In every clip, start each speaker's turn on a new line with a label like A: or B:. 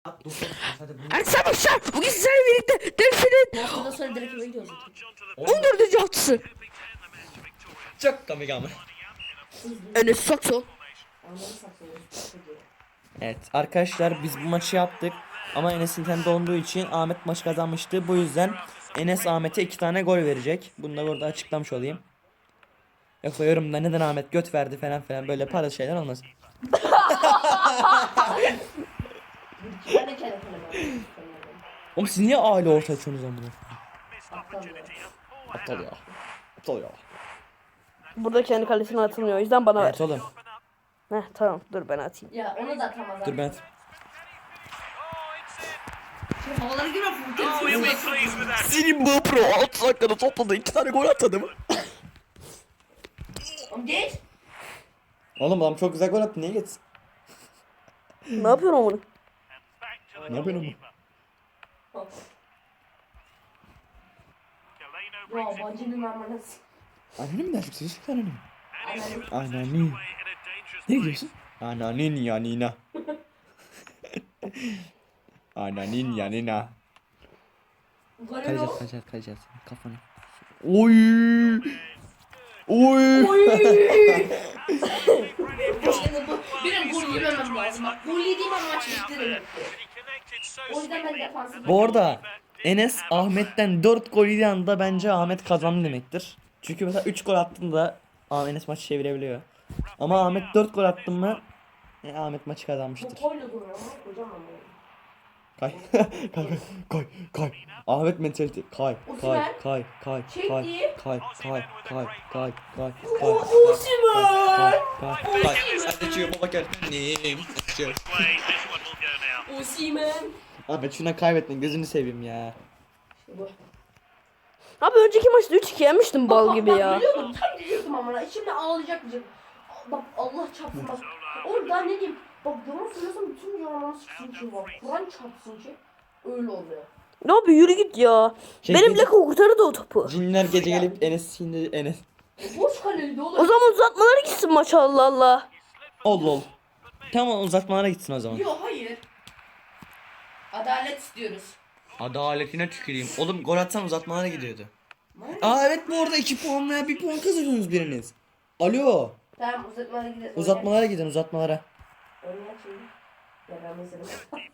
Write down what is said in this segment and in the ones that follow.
A: Herkese başlar. Bugün sizlerle birlikte Delfin'in
B: Haftadan sonra direkt eve gidiyoruz.
A: 14. haftası.
C: Çok komik ama.
A: Enes Sato.
C: Evet arkadaşlar biz bu maçı yaptık. Ama Enes internet olduğu için Ahmet maçı kazanmıştı. Bu yüzden Enes Ahmet'e 2 tane gol verecek. Bunu da burada açıklamış olayım. Yoksa yorumda neden Ahmet göt verdi falan filan böyle para şeyler olmaz.
B: Ben de kendi kaleme.
C: Oğlum siz niye aile orta açıyorsunuz lan bunu? Aptal ya. Aptal ya.
A: Burada kendi kalesine atılmıyor. O yüzden bana ver.
C: Evet oğlum.
A: Heh, tamam dur ben atayım.
B: Ya onu da atamaz.
C: Dur ben.
B: Şimdi havalara girme Furkan.
C: Senin bu pro 6 dakikada topladı 2 tane gol atadı mı?
B: Oğlum geç.
C: Oğlum adam çok güzel gol attı niye geçsin?
A: Ne yapıyorsun onu?
C: Ne yapıyorsun oğlum?
B: Ya bacının amanası.
C: Anneni mi dersin? Sen anneni mi?
B: Ananı.
C: Anani. Ne diyorsun? Ananin yanina. Ananin yanina.
B: Golün
C: Kayacağız
B: o.
C: kayacağız kayacağız. Kafanı. Oy. Oy.
B: Şimdi bu benim gol yememem lazım. Bak gol yediğim an maç bitti demek ki. O yüzden ben defansif.
C: Bu arada Enes Ahmet'ten 4 gol yediği anda bence Ahmet kazandı demektir. Çünkü mesela 3 gol attığında Enes maçı çevirebiliyor. Ama Ahmet 4 gol attı mı Ahmet maçı
B: Bu
C: kazanmıştır.
B: toyla duruyor ama hocam ama.
C: Kay. Kay kay kay. Ahmet mentalite. Kay kay kay kay
B: Çekti.
C: kay kay kay kay kay kay.
B: Osimhen.
C: Sen de çıkıyor baba gel.
B: Osimhen.
C: Ahmet şuna kaybettin gözünü seveyim ya.
B: Bu.
A: Abi önceki maçta 3-2 yemiştim bal gibi ya.
B: Biliyordum tam diyordum ama şimdi ağlayacak diyeceğim. Bak Allah çarpsın bak. Oğlum daha ne diyeyim. Bak yalan söylüyorsam bütün yalanları sıksın ki bak. Kur'an çarpsın ki. Öyle oluyor.
A: Ne abi yürü git ya. Benimle kurtardı o topu.
C: Cinler gece gelip Enes şimdi Enes.
B: Boş kaleydi
A: O
B: oğlum.
A: zaman uzatmalara gitsin maç Allah Allah.
C: Ol. Tamam uzatmalara gitsin o zaman.
B: Yok hayır. Adalet istiyoruz.
C: Adaletine tüküreyim. Oğlum gol atsan uzatmalara gidiyordu. Aa evet bu arada 2 puan veya 1 puan kazanıyorsunuz biriniz. Alo.
B: Tamam uzatmalara gidelim.
C: Uzatmalara gidin uzatmalara.
B: Oynayak şimdi. Ya ben mesela.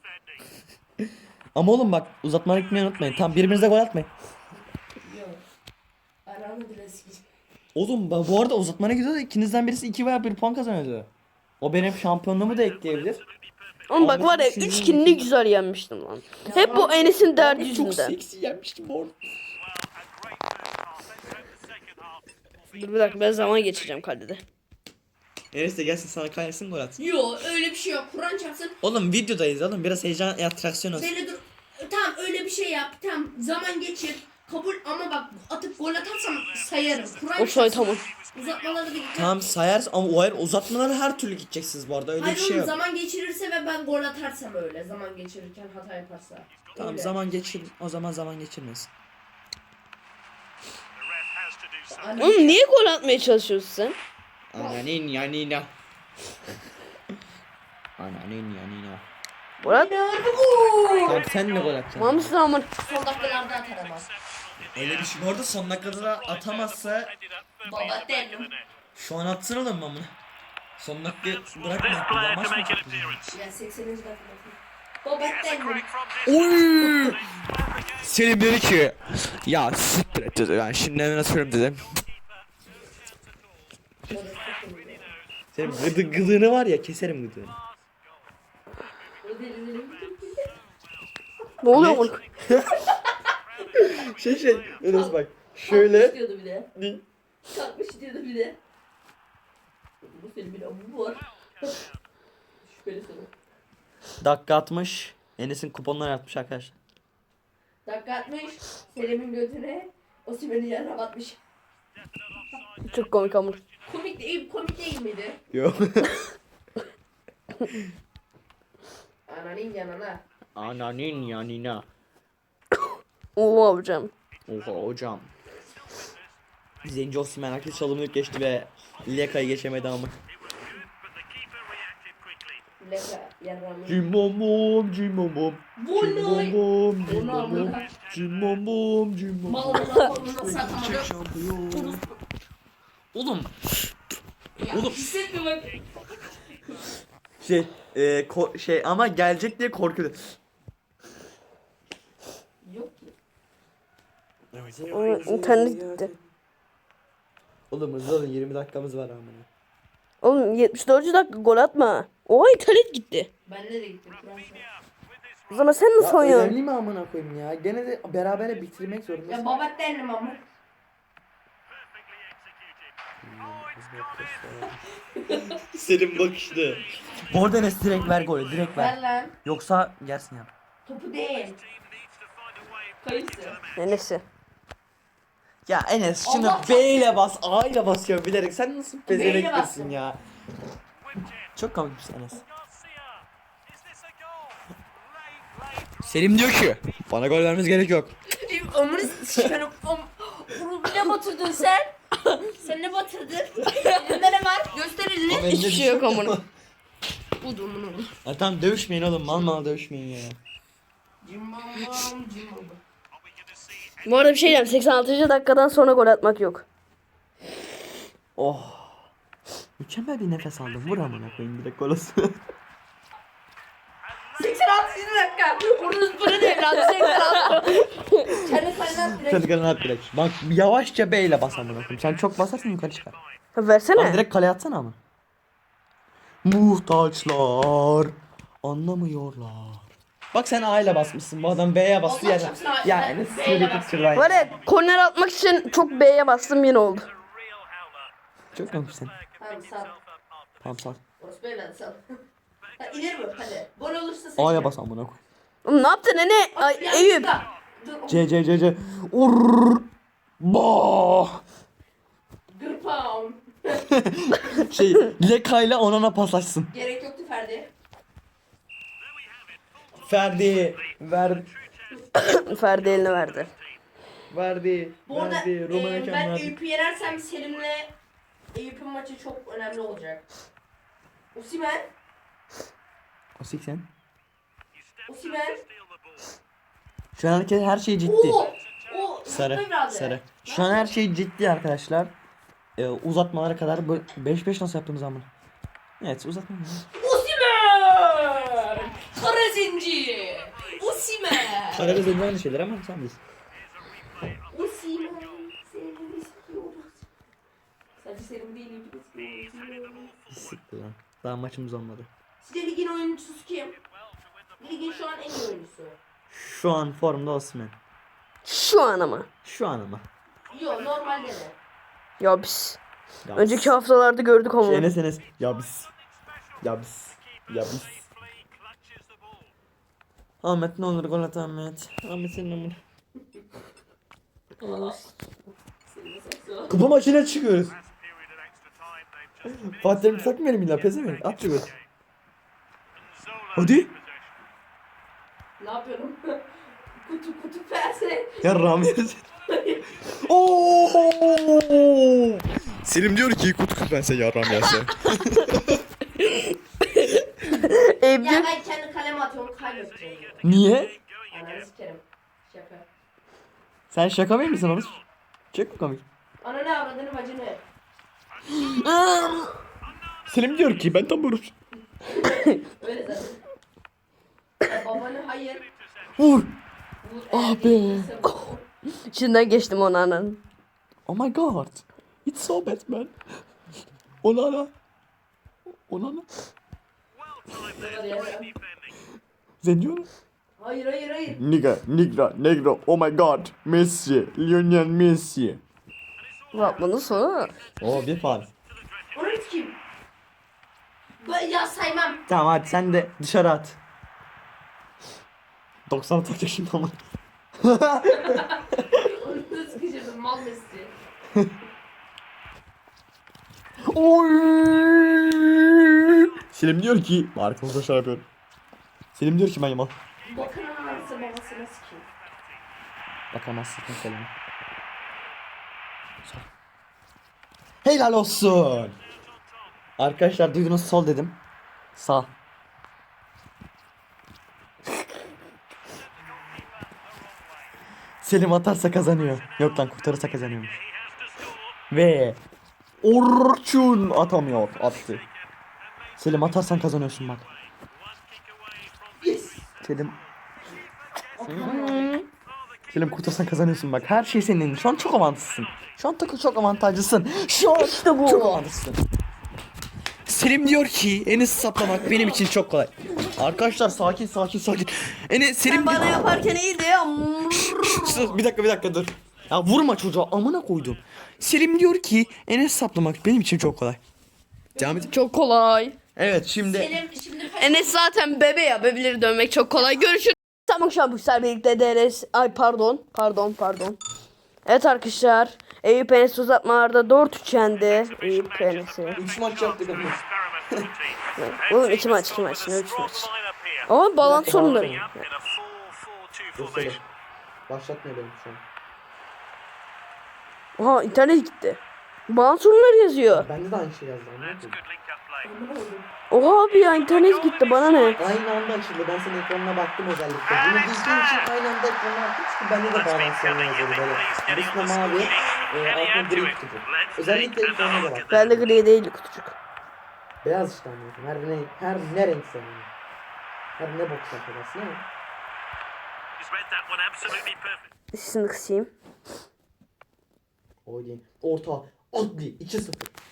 C: Ama oğlum bak uzatmalara gitmeyi unutmayın. Tam birbirinize gol atmayın.
B: Yok. Aranı bile sikeceğim.
C: Oğlum bu arada uzatmana gidiyordu. İkinizden birisi 2 veya 1 puan kazanıyordu. O benim şampiyonluğumu da ekleyebilir.
A: Oğlum bak var ya
C: Ahmet'in
A: 3-2 ne güzel yenmiştim lan. Hep bu Enes'in derdi
C: Çok
A: yüzünden.
C: seksi yenmiştim orada.
A: Dur bir dakika ben zaman geçeceğim kalede.
C: Enes de gelsin sana kaysın gol atsın.
B: Yok öyle bir şey yok. Kur'an çarpsın.
C: Oğlum videodayız oğlum biraz heyecan atraksiyon olsun.
B: Böyle dur. Tamam öyle bir şey yap. Tamam zaman geçir. Kabul ama bak atıp gol atarsam sayarım. Kur'an
A: O say tamam.
B: Uzatmaları da gidiyor.
C: Tamam sayarsın ama o hayır uzatmalara her türlü gideceksiniz bu arada öyle
B: Hayır
C: bir şey
B: oğlum
C: yok.
B: zaman geçirirse ve ben gol atarsam öyle. Zaman geçirirken hata yaparsa.
C: Tamam
B: Öyle.
C: zaman geçir o zaman zaman geçirmesin.
B: Anne-
A: Oğlum niye gol atmaya çalışıyorsun sen?
C: Ananin yanina. Ananin yanina.
A: Gol at.
C: Tamam sen ne gol atacaksın?
A: Mamışsın aman.
B: Son dakikalarda atar ama.
C: Öyle bir şey. Bu arada son dakikada da atamazsa
B: Baba derim.
C: şu an atsın oğlum amına. Son dakika bırakma. Bir daha maç mı yapacağız?
B: Ya 80. dakika. Baba derim.
C: Oy! Selim dedi ki ya siktir et dedi ben şimdi hemen atıyorum dedim. Senin gıdığını var ya keserim gıdığını.
A: Ne oluyor oğlum?
C: Enes bak şöyle.
B: Kalkmış diyordu bir de. Kalkmış diyordu bir de. Bu filmin abu var. Şüpheli soru.
C: Dakika atmış. Enes'in kuponları atmış arkadaşlar.
B: Dakika atmış. Selim'in götüne Osimhen'i yerine batmış.
A: Çok komik ama.
B: Komik değil miydi?
C: Yok.
B: Ananin yanına.
C: Ananin yanina.
A: Oha hocam.
C: Oha hocam. Zenci Osimhen aktif çalımlık geçti ve Leka'yı geçemedi ama.
B: Leka. Yarrağımı.
C: Cimbom cimbom.
B: Volay.
C: Cimbom
B: Onu amına.
C: cimbom cimbom.
B: Malına koluna satamadım.
C: Şampiyon. Oğlum
B: Ya
C: Oğlum.
B: hissetme bak.
C: şey ama gelecek diye korkuyor.
B: Yok ki.
A: Onun internet gitti.
C: Oğlum hızlı olun 20 dakikamız var amına.
A: Oğlum 74. dakika gol atma. Oha internet gitti.
B: Bende de gitti. Kur'an şahit.
A: O zaman sen nasıl oynuyorsun?
C: Önemli mi amına koyayım ya? Gene de berabere bitirmek zorundasın.
B: Ya babat derim ama.
C: Senin bakışlı. Bu arada Enes direkt ver golü direkt
B: Ver
C: ver.
B: lan.
C: Yoksa gelsin ya.
B: Topu değil. Kayısı.
A: Neyse.
C: Ya Enes şunu
B: Allah
C: B ile bas, A ile basıyor bilerek. Sen nasıl
B: B ile
C: bezeneklisin
B: bastım.
C: ya? Çok komikmiş Enes. Selim diyor ki bana gol vermeniz gerek yok.
B: Ömrü çıkarıp bunu ne batırdın sen? Sen ne batırdın? Elinde ne var? Göster elini.
A: Hiçbir şey yok amına.
B: Budur bunu.
C: Ya tamam dövüşmeyin oğlum mal dövüşmeyin ya.
B: Cimbom cimbom.
A: Bu arada bir şey diyeyim. 86. dakikadan sonra gol atmak yok.
C: Oh. Mükemmel bir nefes aldım. Vur amına koyayım direkt gol olsun.
B: 86 dakika. Vurunuz bunu değil lan. 86. Kendi kaleden direkt.
C: Kendi kalene at direkt. Bak yavaşça B ile bas amına koyayım. Sen çok basarsan yukarı çıkar.
A: Ha,
C: Lan
A: versene.
C: direkt kaleye atsana ama. Muhtaçlar anlamıyorlar. Bak sen A ile basmışsın. Bu adam B'ye bastı
B: Allah
C: ya.
B: çarpsın A-
C: Ya
B: ben
C: Enes
B: B ile
C: şöyle
B: bastım.
C: git şuradan.
A: Var ya korner atmak için çok B'ye bastım yine oldu.
C: Çok komik sen.
B: Tamam sal.
C: Tamam sağ.
B: Orası ben sal. Ha, ileri mi? Hadi. Gol olursa sen.
C: A'ya bas amına koy.
A: Oğlum ne yaptın Ene? Ay, Eyüp.
B: Dur.
C: C. Urr. Bah.
B: Gırpağım.
C: Şey Leka ile Onana paslaşsın.
B: Gerek yoktu Ferdi.
C: Ferdi. Ver.
A: Ferdi eline verdi.
C: Verdi.
B: Bu arada
C: Verdi.
B: ben Eyüp'ü yenersem Selim'le Eyüp'ün maçı çok önemli olacak. Osimhen.
C: O 80.
B: Osimhen.
C: Şu an herkes her şey ciddi.
B: Oo. O
C: Sarı.
B: biraz
C: Sarı. Şu an her şey ciddi arkadaşlar. Uzatmalara kadar böyle 5-5 nasıl yaptığımız zaman. Evet uzatma.
B: Osimhen! Kara zenci! Osimhen!
C: Karagöz önce aynı şeyler ama sen bilirsin.
B: Osimhen! Seni istiyoruz. Sadece Selim değil, Eyüp'ü istiyoruz.
C: Siktir lan. Daha maçımız olmadı.
B: Sizce ligin oyuncusu kim? Ligin şu an en iyi oyuncusu.
C: Şu an formda Osman.
A: Şu an ama.
C: Şu an ama.
B: Yo normalde de.
A: Ya biz.
C: Ya
A: Önceki haftalarda gördük
C: biz.
A: onu.
C: Enes. Ya biz. Ya biz. Ya biz. Ahmet ne olur gol at Ahmet. Ahmet senin amına.
B: Selim'e saksı.
C: Kupa maçına çıkıyoruz. Fatih Terim takmayalım illa pezevenk. At şu gol. Hadi.
B: Ne yapıyorum? kutu pense.
C: Ya Ramiz. Oo! Selim diyor ki kutu küpense yaram yese.
A: Eyüp
B: Ya
A: diyor-
B: ben kendi kaleme atıyorum kaybedeceğim.
C: Niye?
B: Ananı sikerim. Şaka.
C: Sen şaka mı mısın oğlum? Çok mu komik?
B: Ananı avradını bacını.
C: Selim diyor ki ben tam vurup.
B: Öyle zaten. Ya babanı hayır.
C: Vur.
B: Vur,
C: Ah
B: eğer
C: be.
B: değilse vur.
A: İçinden geçtim onu ananın.
C: Oh my god. It's so bad man. Onana.
B: Ne var ya?
C: Zenyor.
B: Hayır.
C: Negro. Oh my god. Messi. Lionel Messi.
A: Bak bunun sonu.
C: Oo bir faul.
B: Onu kim? Ben ya saymam.
C: Tamam hadi sen de dışarı at. 90 atacak şimdi ama.
B: Onu da sıkıştırdım mal Messi.
C: Oy! Selim diyor ki arkamızda şey yapıyorum. Selim diyor ki ben yamal.
B: Bakın anası babasına sikeyim.
C: Bakamazsın Selim. Helal olsun. Arkadaşlar duydunuz sol dedim. Sağ. Selim atarsa kazanıyor. Yok lan kurtarırsa kazanıyormuş. Ve Orçun atamıyor. Attı. Selim atarsan kazanıyorsun bak.
B: Yes.
C: Selim. Selim kurtarsan kazanıyorsun bak. Her şey senin. Şu an çok avantajlısın. Şu an çok avantajlısın. Şu an
A: İşte bu.
C: çok avantajlısın. Selim diyor ki Enes saplamak benim için çok kolay. Arkadaşlar sakin. Enes Selim
A: Sen bana yaparken iyiydi ya.
C: Bir dakika dur. Ya vurma çocuğa amına koydum. Selim diyor ki Enes saplamak benim için çok kolay. Devam edin.
A: Çok kolay.
C: Evet şimdi
B: Selim şimdi
A: Enes zaten bebe ya. Bebeleri dövmek çok kolay. Görüşürüz. Tamam şu an bu sefer birlikte DRS. Ay pardon. Evet arkadaşlar. Eyüp Enes uzatmalarda 4-3 yendi. Eyüp Enes'i.
C: 3 maç yaptık ama.
A: Oğlum 2 maç. Ne 3 maç. Ama balans sorunları.
C: Dur Selim. Başlatmıyor benim şu an.
A: Aha internet gitti. Balans sorunları yazıyor.
C: Bende de aynı şey yazdı.
A: Oha abi ya internet gitti bana ne?
C: Aynı anda açıldı. Ben senin ekranına baktım özellikle. Bunu bildiğim için aynı anda ekrana baktım. Çünkü bende de bağlantı sorunu yazıyordu böyle. Üstüne mavi, altına gri kutucu. Özellikle ekrana da baktım.
A: Bende gri değil kutucuk.
C: Beyaz işte anladım. Her ne renk senin. Her ne bok sakladasın ama.
A: Sesini kısayım.
C: O değil. Orta. Adli. 2-0.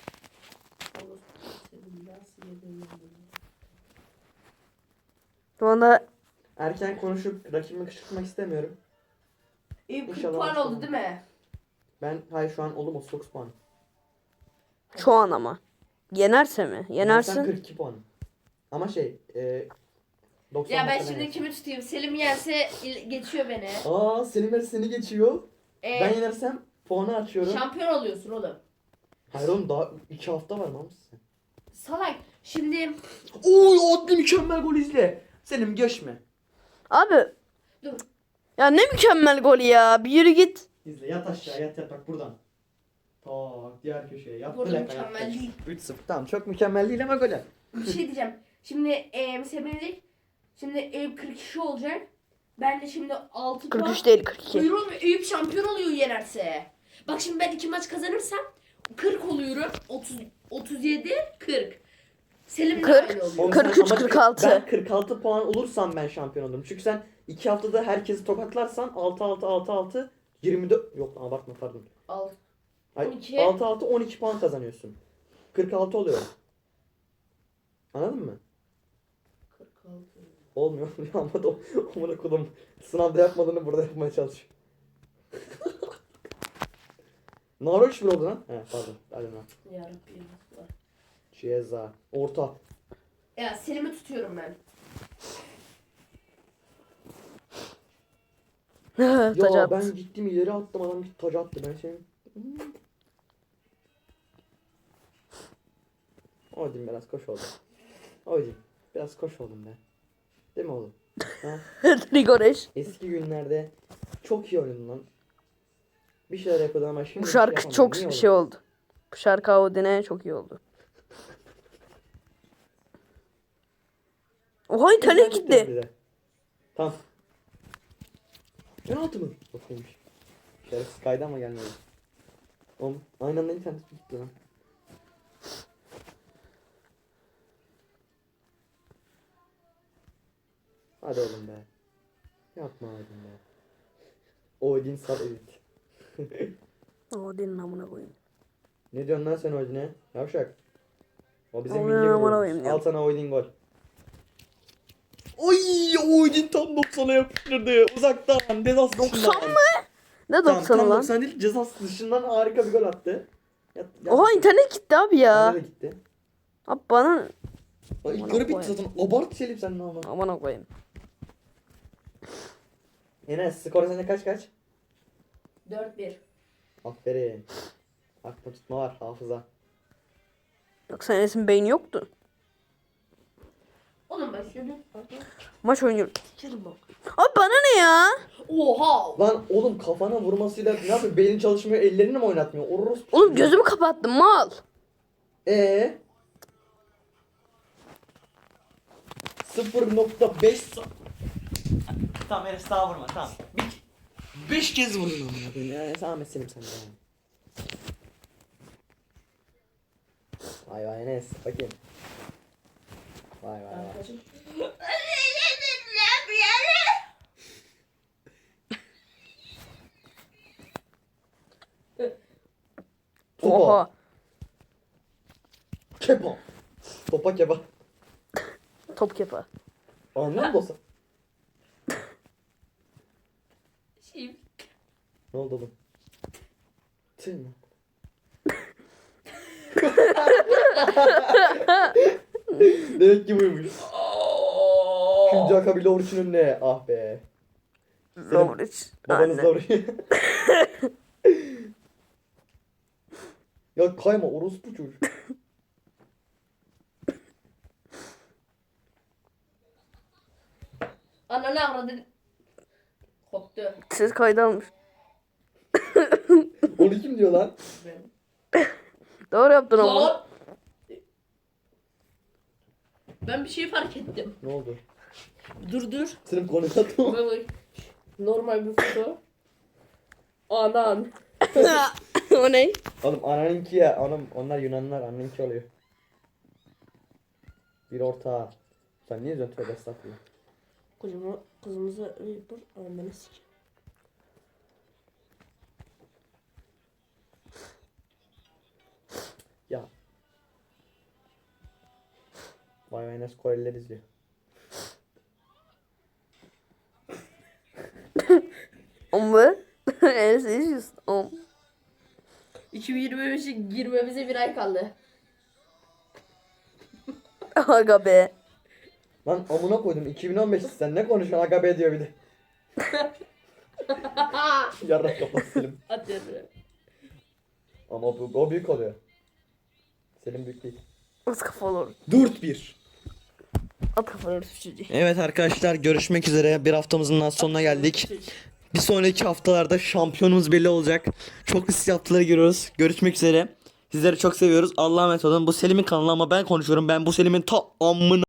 A: Şu anda
C: Erken konuşup rakibimi kışkırtmak istemiyorum.
B: Eyüp 40
C: İnşallah
B: puan
C: başlamam.
B: oldu değil mi?
C: Hayır şu an oğlum 39 puan.
A: şu an ama. Yenerse mi?
C: Sen
A: Yenersin.
C: 42 puan. Ama 90
B: Ya ben
C: dakikada
B: şimdi
C: yensin.
B: kimi tutayım? Selim yense geçiyor beni.
C: Selim seni geçiyor.
B: Ee,
C: Ben yenersem puanı açıyorum.
B: şampiyon oluyorsun oğlum.
C: Hayır oğlum daha 2 hafta var mı sen?
B: Salak. Şimdi
C: Oy Adli mükemmel gol izle. Selim geçme.
A: Abi.
B: dur.
A: Ya ne mükemmel gol ya. Bir yürü git.
C: İzle yat aşağı yat bak buradan. Tak diğer köşeye yat.
B: Burada
C: direkt
B: mükemmel
C: ayağa.
B: değil.
C: 3-0 tamam çok mükemmel değil ama gol.
B: Bir şey diyeceğim. Şimdi sevinecek. Şimdi Eyüp 42 olacak. Ben de şimdi 6 puan.
A: 43 değil 42.
B: Hayır oğlum Eyüp şampiyon oluyor yenerse. Bak şimdi ben 2 maç kazanırsam 40 oluyorum. 37 40. Selim de
A: 40.
B: aynı oluyor.
C: Oğlum
A: 43,
C: sen ama
A: 46.
C: Ben 46 puan olursam ben şampiyon olurum. Çünkü sen 2 haftada herkesi tokatlarsan 6-6 24 yok abartma pardon.
B: Al.
C: Ay,
B: 12.
C: 6-6 12 puan kazanıyorsun. 46 oluyor. Anladın mı?
B: 46.
C: Olmuyor ama da amına kodum sınavda yapmadığını burada yapmaya çalışıyor. Naro 3-1 oldu lan. He pardon. Hadi lan.
B: Yarabbim.
C: Ceza. Orta.
B: Ya Selim'i tutuyorum ben.
A: Taca
C: Ya
A: attı.
C: ben gittim ileri attım adam gitti taca attı ben senin. Oydum biraz koş oldum. Oydum biraz koş oldum be. Değil mi oğlum? Ha?
A: Rigoreş.
C: Eski günlerde çok iyi oynadın lan. Bir şeyler yapıyordun ama şimdi
A: Bu
C: bir
A: şarkı
C: şey
A: çok
C: yapamıyorum. Niye
A: şey
C: oğlum?
A: oldu. Bu şarkı Audi'ne çok iyi oldu. Oha internet
C: Güzel gitti
A: gitti.
C: bize. Tamam. Penaltı mı? Bakaymış. Şerefsiz kaydı ama gelmedi. Oğlum aynı anda internet gitti lan. Hadi oğlum be. Yapma oğlum be. Odin sal edit.
A: Audi'nin amına koyayım.
C: Ne diyorsun lan sen Odin'e? Yavşak. O bizim
A: Aman
C: milli
A: aman
C: golümüz.
A: aman ya.
C: Al sana Odin gol. Oy Odin tam 90'a yapıştırdı. Uzaktan. Cezası
A: 90 mı? Ne
C: Tamam
A: 90'ı
C: tam
A: lan?
C: 90 değil cezası dışından harika bir gol attı.
A: Oha internet gitti abi ya.
C: Bana da gitti.
A: Abi bana
C: Ay
A: Aman
C: garip bitti
A: koyayım.
C: zaten. Abart Selim sen ne ama.
A: amına koyayım.
C: Enes skor sende kaç?
B: 4-1.
C: Aferin. Aklı tutma var hafıza.
A: Yoksa Enes'in beyni yoktu.
B: Oğlum ben şunu.
A: Maç oynuyoruz. Abi bana ne ya?
B: Oha.
C: Lan oğlum kafana vurmasıyla ne yapıyor? Beynin çalışmıyor, ellerini mi oynatmıyor? Orospu.
A: Oğlum gözümü kapattım mal.
C: 0.5 Tamam Enes daha vurma tamam. 5 kez vurdun amına koyayım ya. Ahmet Selim sen de yani. Vay vay Enes bakayım. Vay vay vay. Topa.
A: Oha.
C: Kepa. Topa kepa.
A: Top kepa.
C: Anlıyor musun dostum?
B: Şey,
C: Ne oldu oğlum? Tüh lan. Demek ki buymuş. Şimdi akabili oruçun önüne. Ah be.
A: Lovric.
C: Babanız da
A: Aynen.
C: oraya. Ya kayma orospu çocuk.
B: Ananı avradın. Koptu.
A: Ses kaydı almış.
C: Onu kim diyor lan?
A: Doğru yaptın ama.
B: Lan. Ben bir şey fark ettim.
C: Ne oldu?
B: Dur.
C: Senin konuşatma.
B: Bak. Normal bir foto. Anan.
A: O ne?
C: Oğlum ananınki ya. Anam, onlar Yunanlılar ananınki oluyor. Bir ortağı. Sen niye diyorsun tövbe estağfurullah.
B: Kızımıza Reaper ananı sik.
C: Ya. Vay vay nasıl Koreliler izliyor.
A: Ama Enes izliyorsun.
B: 2025'e girmemize bir ay kaldı.
A: Aga be.
C: Lan amına koydum 2015 sen ne konuşuyorsun aga be diyor bir de. Yarrak kapat Selim.
B: Atıyorum.
C: Ama o büyük oluyor. Selim büyük değil.
A: At kafalı.
C: 4-1.
A: At kafalı çocuğu.
C: Evet arkadaşlar görüşmek üzere. Bir haftamızın daha sonuna geldik. Bir sonraki haftalarda şampiyonumuz belli olacak. Çok riskli haftaları giriyoruz. Görüşmek üzere. Sizleri çok seviyoruz. Allah'a emanet olun. Bu Selim'in kanalı ama ben konuşuyorum. Ben bu Selim'in ta amına